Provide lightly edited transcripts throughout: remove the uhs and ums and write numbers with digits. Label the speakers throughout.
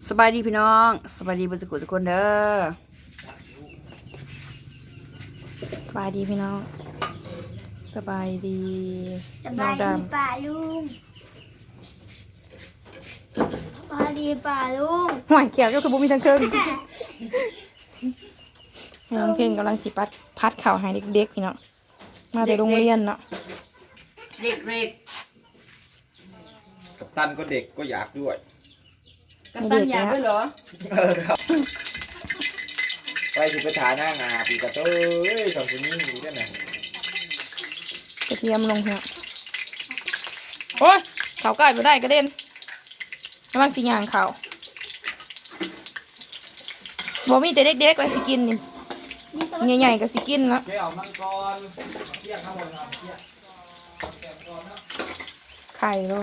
Speaker 1: สบายดีพี่น้องสบายดีบุญสกุลทุกคนเด้อสบายดีพี่น้องสบายดี
Speaker 2: สบายดีป่าลุงสบายดีป่าลุง
Speaker 1: ห่วยเกี่ยวก็คือบุมีทั้งเครื่องน้องเพลงกำลังสิพัดข่าวให้เด็กๆพี่น้องมาแต่โรงเรียนเนาะเด็ก
Speaker 3: กัปตันก็เด็กก็อยากด้วย
Speaker 1: กัปตันอยากด้วยเหรอ
Speaker 3: ครับไปถึงไปถ่ายหน้างาปีกระโต้สองคนนี้มีด้วยนะ
Speaker 1: กระเทียมลงเถอะโอ้ยเขาใกล้ไปได้กระเด็นกำลังสิย่างเขาบ่มีแต่เด็กๆไว้สิกินนี่ใหญ่ๆก็สิกินแล้ว
Speaker 3: เกี่ยวมังกรเที่ยงข้าวมันเที่ยง
Speaker 1: ไข่ลง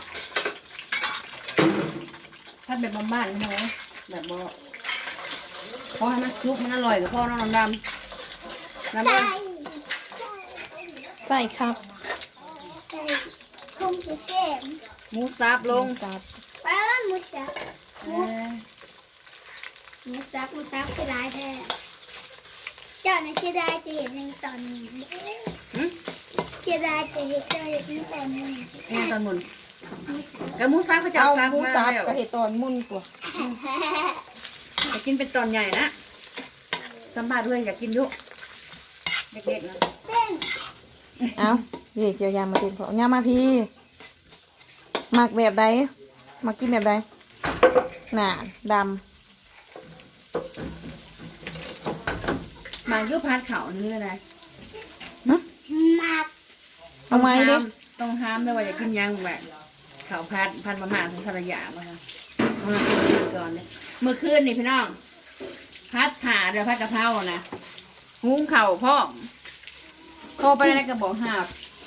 Speaker 4: ถ้าแบบบ้านๆนะแบบบ่พอให้มันซุปมันอร่อยกับพ่อน้องดำน้ำมัน
Speaker 1: ใส่ครับ
Speaker 2: ใส่คงจะเสม
Speaker 4: หมูสับลง
Speaker 1: สับ
Speaker 2: ป้าหมูสับหมูสับคือร้ายแท้เจ้าน่ะเชื่อได้จะเห็นในตอนนี้เชื่อได้จะเห็นเจ้าเห็นในตอนนี้
Speaker 4: เนี่ยตอนมุนกับหมูสับก็จะ
Speaker 1: เอา
Speaker 4: สับ
Speaker 1: หมูสับ
Speaker 4: แล้ว
Speaker 1: ก็เห็ดตอนมุ่นกว่า
Speaker 4: จะกินเป็นตอนใหญ่นะสัมภาษณ์ด้วยอยากกินยุเด็กๆนะ
Speaker 1: เอาเด็กเจียวยามมาติดของยามมาพี่หมักแบบใดมากินแบบใดหนาด
Speaker 4: หมายุพัดเขานี่เลยนะ
Speaker 2: มาก
Speaker 1: เอาไหมดิ
Speaker 4: ต้องห้ามด้วยว่าอยากกินยังแบบเขาพัดประมาณถึงภรรยามาค่ะมากินก่อนเลยเมื่อคืนนี่พี่น้องพัดขาเดี๋ยวพัดกะเพรานะหุงเข่าพ่อโทรไปได้กระบอกหาบ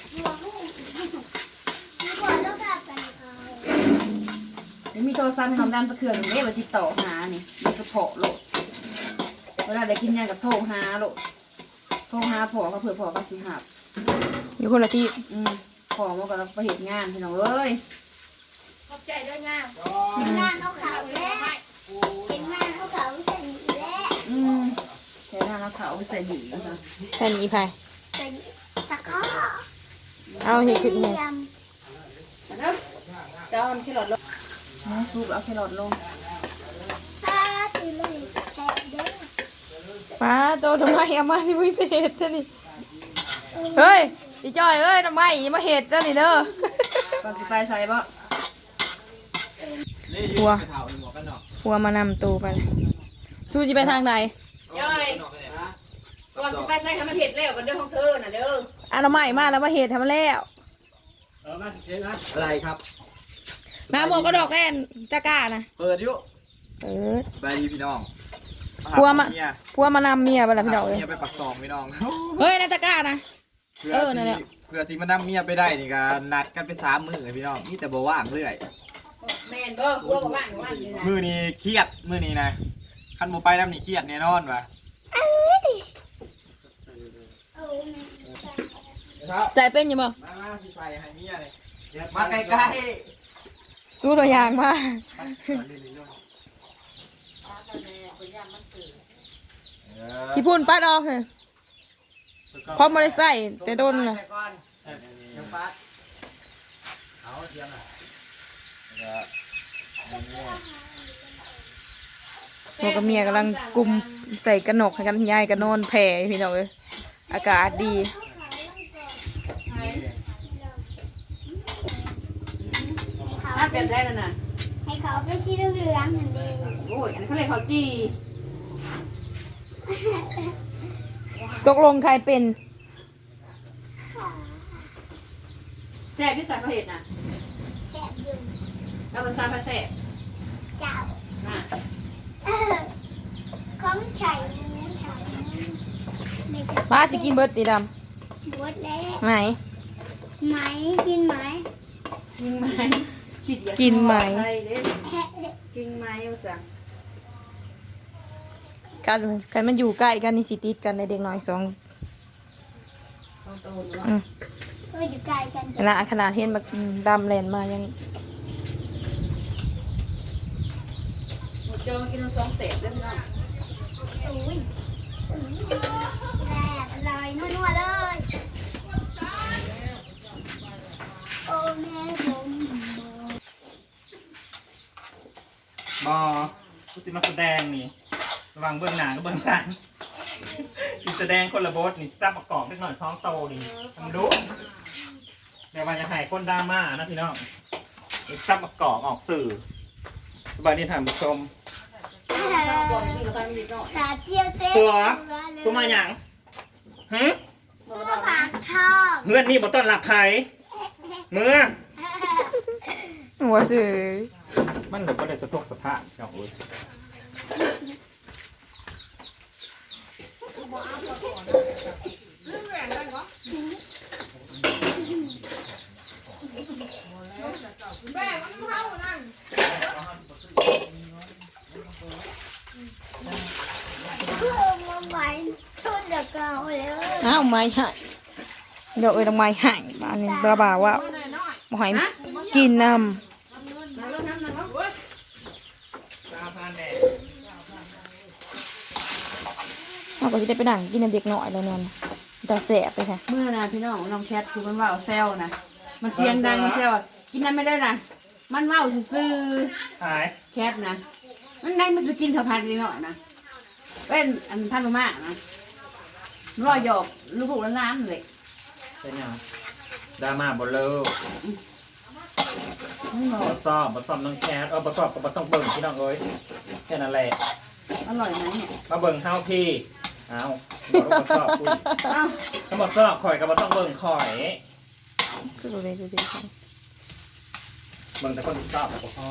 Speaker 4: เดี๋ยวมีโทรศัพท์ให้น้องดำตะเคือนอย่างนี้มาติดต่อหานี่มันก็โผล่โลดเวลาได้กินยังกับโทรหาโลดโทรหาพ่อก็เผื่อพ่อก็สิหาบ
Speaker 1: อยู่คนละที่
Speaker 4: พ่อมันก็ไปเหตุงานพี่น้องเอ้ย
Speaker 2: ขอบใจด้วยงานงานเขาเขาแล้วเป็นงานเขาเขาใส่หีแล้ว
Speaker 4: ใช้งานแล้วเขาใส่หีนะคะ
Speaker 1: แค่นี้ไป
Speaker 2: ใส่สักข้อ
Speaker 1: เอาเห็ดขึ้นเลย
Speaker 4: นะครับจะเอาแครอทลงซุปเอาแครอทลง
Speaker 2: ป้าตีเลยแทะเด้อ
Speaker 1: ป้าโตทำไมเอามาที่วิเศษนี่เฮ้ยพี่จ้อยเอ้ยทำไมมาเห็ดเจ้านี่เด้อ
Speaker 4: ก่อนจะไปใส่บ่
Speaker 1: หัวมานำตูไปชูจะไปทางไหน
Speaker 4: ย่อยก่อนจะไปใส่ทำมันเห็ดแล้วกันเด้อของเธอน่ะเด้อ
Speaker 1: อ่ะทำไมมาแล้วมาเห็ดทำมาแล้ว
Speaker 3: มาเช็ดนะอะไรครับ
Speaker 1: น้ำหมวกก็ดอกแน่นตะกร้านะ
Speaker 3: เปิดยุ
Speaker 1: เปิด
Speaker 3: ไปดีพี่น้อง
Speaker 1: พัวมานำเมียไปแล้วพี่น้องเลย
Speaker 3: เมียไปปักซองพี่น้อง
Speaker 1: เฮ้ยนาตะกร้านะนั่นแหละ
Speaker 3: เพื่อสิมานำเมียไปได้นี่ก็นัดกันไป3 มื้อพี่น้องนี่แต่บ่ว่างเรื่อย
Speaker 4: แม่นบ่กลัวบ่ว่างนี่นะ
Speaker 3: มื้อนี้เครียดมื้อนี้นะคันบ่ไปนำนี่เครียดแน่นอนว่ะ
Speaker 1: ใจเป็นอยู่มั้ง
Speaker 3: มาสิไปให้เมียเลยมาใกล้
Speaker 1: ๆสู้ตัวอย่างมาที่พูนปัดออกเลยพร้อมมาได้ใส่แต่โดนเลยพวกกับเมียกำลังกุมใส่กระหนกให้กันยายกันนอนแผ่พี่น้องเลยอากาศดี
Speaker 4: ถ้าเต็มได้แล้วนะ
Speaker 2: ให้เขาไปชี้เหลืองๆนั่นเอง
Speaker 4: โอ้ยอันเขาเลยเขาจี
Speaker 1: ตกลงใครเป็น
Speaker 4: แซ่บที่ใส่เขาเห็ดน่ะ
Speaker 2: แซ่บอยู่
Speaker 4: แล้วมันใส่ผ้าแซ่บ
Speaker 2: เจ้า
Speaker 4: น่ะ
Speaker 2: ของไข่
Speaker 1: ป้าจะกินเบิร์ดตีด
Speaker 2: ำบดแล้ว
Speaker 1: ไหน
Speaker 2: ไหมกินไหม
Speaker 4: กินไหม
Speaker 1: กินไหม
Speaker 4: กินไหมเอาสั่ง
Speaker 1: กันมันอยู่ใกล้กันนี่สิติดกันในเด็กน้อย2
Speaker 2: อยู่ใกล้กัน
Speaker 1: ขนาดเห็นแบบดำแลนมายัง
Speaker 4: อมากิน2เศษเด้อพี่น้อง
Speaker 2: อุ้ยแซ่บอร่อยนัวๆเลยโอ้แม่ผม
Speaker 3: บอกูสิมาแสดงนี่ระวังเบื้องหน้ากับเบื้องหลังสิแสดงคนละบทนี่ซับประกอบนิดหน่อยท้องโตนี่ทำดูเดี๋ยวว่าจะให้คนดราม่านะพี่น้องนี่ซับประกอบออกสื่อสบายดีท่านผู้ชม
Speaker 2: ตาเจียวเต้
Speaker 3: ตัวตัวมาหยังฮึ
Speaker 2: ตัวปากทอง
Speaker 3: เพื่อนนี่บ่ต้อนรับใครเมื่อ
Speaker 1: หัวเสือ
Speaker 3: มันเดี๋ยวก็ได้สะทกสะท้านเจ้าโอ้ย
Speaker 2: เพื่อมาใหม่ชุดเดียวเก่าเลย
Speaker 1: อ้าวไม่หายเดี๋ยวทำไมหายบ้านนี้บ้าว่าบ่ให้กินน้ำเราก็จะได้ไปนั่งกินน้ำเด็กหน่อยแล้วเนี่ยแต่แสบไปค่ะ
Speaker 4: เมื่อนะพี่น้องน้องแคทคือมันว่าวแซวนะมันเสียงดังมันแซวอะกินนั้นไม่ได้นะมันว่าวซื่อ
Speaker 3: หาย
Speaker 4: ๆแคทนะมันได้มันไปกินข้าวผัดนิดหน่อยนะเป็นอันพันมากๆนะรอยหยอกลูกๆแล้วน้ำเลย
Speaker 3: เป็นยังดราม่าบ่เลิก
Speaker 4: ไม่หรอ
Speaker 3: บ่ซ่อมน้องแคทบ่ซ่อมก็บ่ต้องเบิ่งพี่น้องเอ้ยแค่นั้นแหละ
Speaker 4: อร่อยไหมเนี่ย
Speaker 3: มาเบิ่งเฮาพี่เอาบอกว่าบ่ซ่อมคุย
Speaker 4: เอ้า
Speaker 3: ถ้าบ่ซ่อมข่อยก็บ่ต้องเบิ่งข่อย
Speaker 1: คือดูเลย
Speaker 3: เบิ่งแต่คนที่ซ่อมก็พอ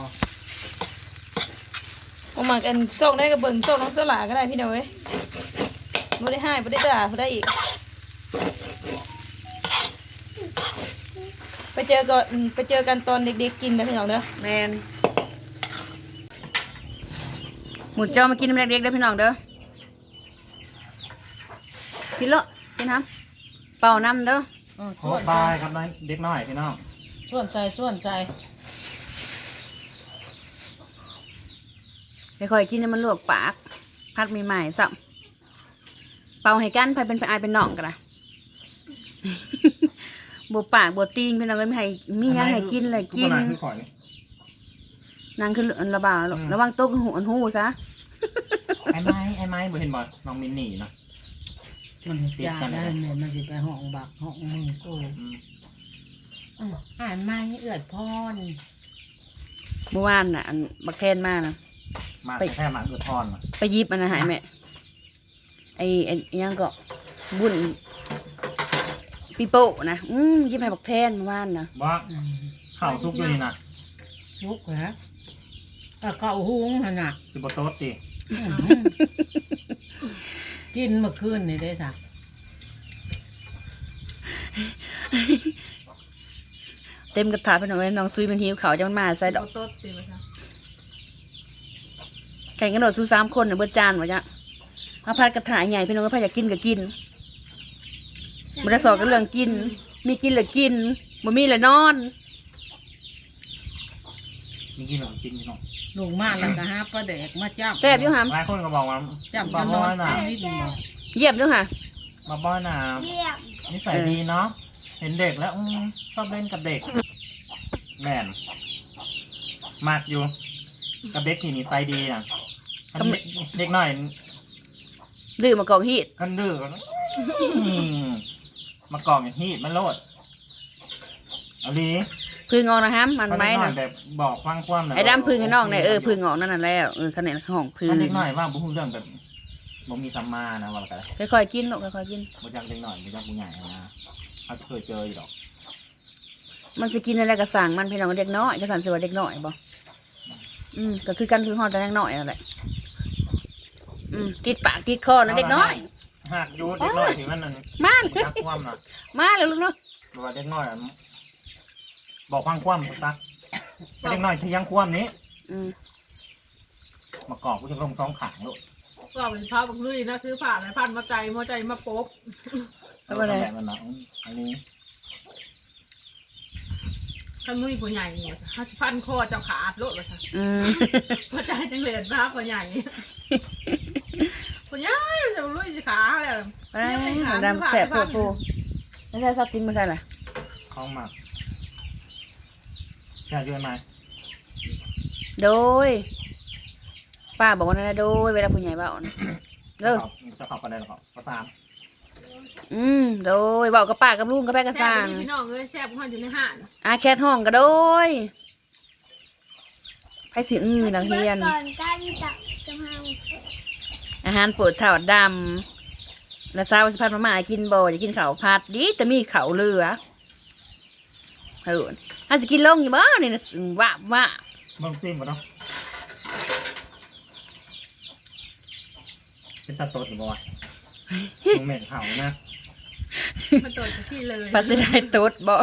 Speaker 1: เอามากันโซกได้กับเบิ่งโซกน้องสลาก็ได้พี่เดียวเว้ยไม่ได้ให้ไม่ได้ด่าไม่ได้อีก ไปเจอกันตอนเด็กๆกินนะพี่น้องเด้อ
Speaker 4: แมนหมูเจ้ามากินน้ำเล็กๆเด้อพี่น้องเด้อกินเลอะกินน้ำเป่าน้ำเด้อ
Speaker 3: โอ้บายครับน้อยเด็กน้อยพี่น้อง
Speaker 5: ส่วนใจ
Speaker 4: ค่อยๆกินให้มันลวกปาก พัดใหม่ๆสับเป่าให้กันไปเป็นไปอายเป็นน้องกันนะ บวปากบวตีนพี่น้องเอ้ยไม่ให้มีหยังให้กินเลยกิน
Speaker 3: ผู้คือข่อย
Speaker 4: นางคือระบาดระวังโต๊ะหูอันหูซะ
Speaker 3: ไอ้ไม้บ่เห็นบ่น้องมินนี่นะ
Speaker 5: มันยาได้แม่มันสิไปห้องบักห้องมึงกู
Speaker 3: อืม
Speaker 5: อ่านไม่เอือดพร
Speaker 4: เมื่อวานน่ะอันบักแทนมากนะ
Speaker 3: มาแค่หมาเกิดพรน่ะ
Speaker 4: ไปยิบอันนั้นใหายแม่ไอ้ยังก็บุญปีโป้นะยิบให้บักแทนเมื่อวานนะ
Speaker 3: บ่ข้าวซุกอยู่นี่น่ะ
Speaker 5: ลุกแล้วเก่าหุงหั่นน่ะ
Speaker 3: สิบ่โต๊ดติ
Speaker 5: กินเมื่อคืนนี่ได้สัก
Speaker 4: เต็มกระถาไปหน่อยน้องซุยมันหิวเขาวจะมันมาใส่ดอก
Speaker 5: ต้นสิมา
Speaker 4: แข่งกันโดดสู้3 คนน่ะเบิดจานวะจ๊ะเอาพัดกระถาใหญ่พี่น้องก็พายอยากกินก็กินมันจะสอนกันเรื่องกิน มีกินหรือกินบ่มีหรือนอน
Speaker 3: มีกินหรอกินพี่น้อง
Speaker 5: ลูกมาแล้วก็หาปลาแดกมาจับ
Speaker 4: แซ่บอยู่หาม
Speaker 3: หลายคนก็บอกว่า
Speaker 5: จับ
Speaker 3: บ่
Speaker 5: จะน
Speaker 3: บ่
Speaker 5: อน
Speaker 3: น่ะ
Speaker 5: นิดหนึ่ง
Speaker 4: เยี่ยมด้วยค่ะ
Speaker 3: มาบ่น่ะ
Speaker 2: เยี่ยม
Speaker 3: นิสัยดีเนาะเห็นเด็กแล้วชอบเล่นกับเด็กแม่นมากอยู่กับเด็กที่นิสัยดีน่ะคันเด็กน้อย
Speaker 4: ดื้อมากองฮีด
Speaker 3: กันดื้อก็มากองอย่างฮีดมันโลดเอาลี
Speaker 4: พึ่งออกนะฮะมัน
Speaker 3: คัน
Speaker 4: ไหม
Speaker 3: เด็กน้อย
Speaker 4: นะ
Speaker 3: แบบบอกฟังความนะ
Speaker 4: ไอ้ดำพึ่งให้น้องเนี่ยพึ่งออกนั่นน่ะแล้วคะแนนของพึ่ง
Speaker 3: คันเด็กน้อยว่าบุ้งเรื่องแบบบ่มีสัมมานะว่ากัน
Speaker 4: ค่อยๆกินลูกค่อยๆกิน
Speaker 3: บ่จักเด็กน้อยบ่จักผู้ใหญ่นะเขาจะเคยเจออยู่ดอก
Speaker 4: มันสิกินอะไรก็สั่งมันพี่น้องเด็กน้อยจะสั่นสิว่าเด็กน้อยบ่ก็คือกันคือฮอดแต่เด็กน้อยนั่นแหละติดปากติดคอนะเด็กน้อย
Speaker 3: หากอยู่เด็กน้อยที่มันนั่น
Speaker 4: มา
Speaker 3: บ่จักความน่ะ
Speaker 4: มาเลยลูกเนาะ
Speaker 3: บอกว่าเด็กน้อยอะบอกฟังความตักเด็กน้อยที่ยังความนี้ มากรอบกูจะลงสองขางลูก
Speaker 6: ก็เป็นพระบักลุยนะซื้อผ่าอะไรพันมาใจมาใจมาปบ
Speaker 4: แล้วก็อะไร
Speaker 3: แบบนั้นนะอันนี้
Speaker 6: ขถ้ามุ้ยผู้ใหญ่เนี่ยเขาจะพันคอเจ้าขาดโลดเลยค่ะ
Speaker 4: อืม
Speaker 6: พอใจจังเลยพระผู้ใหญ่ผู้ใหญ่จะลุยขาแล้ว
Speaker 4: ดำแสบตัวปูไม่ใช่ซอสติ้งไม่ใช่เหรอ
Speaker 3: ของหมักอยากอยู่ไหม
Speaker 4: โดยป้าบอกว่านั่นนะโดยเวลาผู้ใหญ่เบานะเด้อ
Speaker 3: จะขอบกันได้หรอครับภาษา
Speaker 4: โดยเบากับป้ากับลุงกับแม่กับ
Speaker 6: แซ่
Speaker 4: ส
Speaker 6: บ
Speaker 4: ร้าง
Speaker 6: พี่น้องเอ้ยแซ่บของอยู่ในห้าง
Speaker 4: อาแคทห้องก็โดยไพ่สีนักเรียน
Speaker 2: ก่อนการจับจะมา
Speaker 4: อาหารโปรดถอดดำแล้วซาวสิพัดมาม่ากินบ่จะกินข้าวผัดดิแต่มีข้าวเหลือถ้าจะกินลงอยู่บ้านี่นะว่า
Speaker 3: เบิ่งซิมก่อนเนาะเป็นตาโตดหรือเปล่าวะมึงเหม็นเห่านะ
Speaker 6: มันตัวที่เลย
Speaker 4: ปัสสาวะตดบ่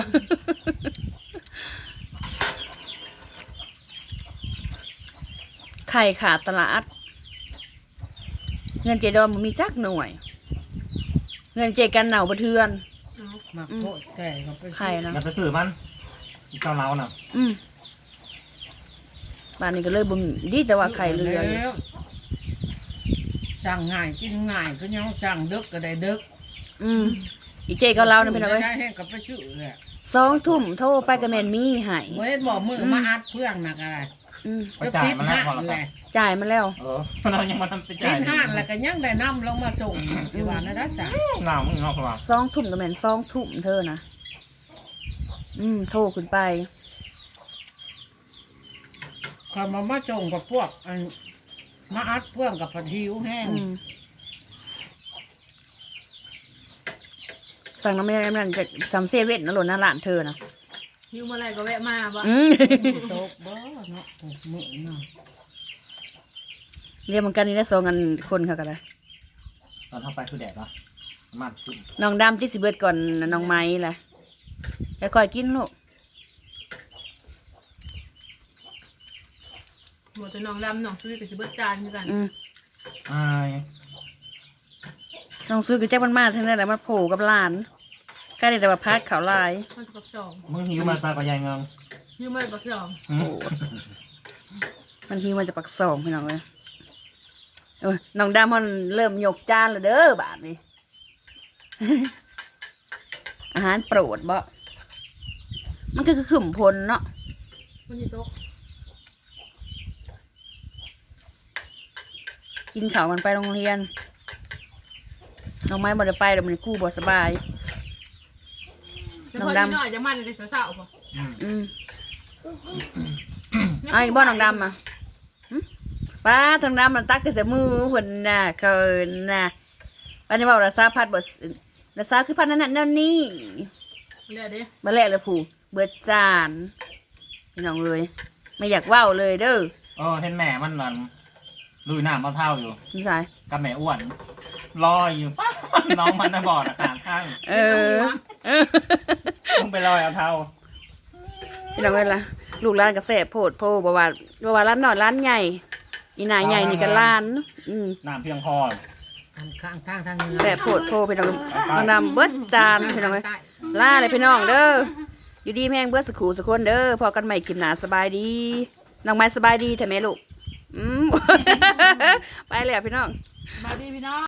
Speaker 4: ไข่ขาดตลาดเงินเจดอมมันมีจักหน่วย เงินเจกันเหนาบะเทือน
Speaker 5: มาโคตรแก่ก็ไป
Speaker 4: ไข่นะ
Speaker 3: อย่าไปสื่อมันอีกเจ้าเล้าน่ะ
Speaker 4: บ้านนี้ก็เลยบ่มดีแต่ว่าไข่เหลืออยู่
Speaker 5: แล้วสั่งง่ายกินง่ายก็ยังสั่งดึกก็ได้ดึก
Speaker 4: อีเจก็เล่านะพี่น้องเอ้ย
Speaker 5: ได้แห้งกับไปชื่อแหละ
Speaker 4: 2 ทุ่มโทรไปกับแมนมี่ให้
Speaker 5: เว้ยบอกมือมาอัดเพื่องหนักอะไร
Speaker 3: ไปจ่ายมันแล้วพอ
Speaker 5: ห้าน
Speaker 3: แล้ว
Speaker 5: แหละ
Speaker 4: จ่ายมาแล้ว
Speaker 3: เรายังมาทำไปจ่า
Speaker 5: ปิ
Speaker 3: ย
Speaker 5: ดห้านแล้วก็ยังได้นำลงมาส่งสิวานะได้สั่ง
Speaker 3: หนาวมึงเนาะเพราะว่า
Speaker 4: 2 ทุ่มกับแมน2 ทุ่มเธอนะโทรขึ้นไป
Speaker 5: เขามาส่งกับพวกอันมาอัดเพื่องกับผัดหิวแห้ง
Speaker 4: สั่งน้ำมันจะซัมเซเว่นนะหล่นหน้าร้านเธอนะ
Speaker 6: หิวเมื่อไรก็แวะมาบ่
Speaker 5: โต๊ะบ่เนาะมือเนาะ
Speaker 4: เรียกมันกันนี่ได้2 กันคนค่ะกันเลย
Speaker 3: ตอนเข้าไปคือแดดวะมันขึ้น
Speaker 4: น้องดำที่สิเบิดก่อนน้องไม้แหละแต่คอยกินลูก
Speaker 6: หมดแต่น้องดำน้องซื้อกับสิเบิดจานคือกัน
Speaker 3: อาย
Speaker 4: น้องซื้อกับแจ็คมันมาทั้งนั้นแหละมันโผล่กับหลานใกล้แต่ว่าพัดขาวลาย
Speaker 6: มันจะปักสอง
Speaker 3: มึงหิวมาซากับยายเงิง
Speaker 6: หิวไม่ปักสอง
Speaker 4: มันทีมันจะปัก2พี่น้องเลยน้องดำมันเริ่มยกจานแล้วเด้อบาทนี้ อาหารโปรดบ่มันก็คือขึ้มพลเนาะ
Speaker 6: มันจะโต๊ะ
Speaker 4: กินข้าวมันไปโรงเรียนน้องไม้บ่ได้ไปเดี๋ยวมันกู้บ่สบาย
Speaker 6: น้องดำน้อยจะมันในสาวๆป่ะ
Speaker 4: เอาอีกบ่น้องดำอ่ะป้าทางดำมันตักกระเสมือหุ่นน่ะเคินน่ะป้านี่บอกละซาพัดบ่ละซาคือพัดนั่นนี่
Speaker 6: เรียกดิ
Speaker 4: มาแลกเลยผู้เบิดจานพี่น้องเลยไม่อยากว่าวเลยเด้อ
Speaker 3: เห็นแม่มันนั่นลุยน้ำเอาเท่าอยู่
Speaker 4: นี่สาย
Speaker 3: กับแม่อ้วนลอยอยู่ น้องมันน่ะบอดอาการข้าง
Speaker 4: เออ
Speaker 3: ต้องไปลอยเอาเท่า
Speaker 4: พี่น้องเลยล่ะลูกร้านกระแสโพดโพบ่ว่าร้านน้อยร้านใหญ่อีหน่าใหญ่นี่ก็ร้าน
Speaker 3: น้ำเพียงพอ
Speaker 5: อันข้างทางทางเหนือ
Speaker 4: แต่โพดโพพี่น้องน้องดำเบิดจานพี่น้องเลยล่าเลยพี่น้องเด้ออยู่ดีแม่งเบิดสักขู่สักคนเด้อพอกันใหม่คลิปหน้าสบายดีน้องไม้สบายดีแต่แม่ลูกไปเลยพี่น้อง
Speaker 6: มาดีพี่น้อง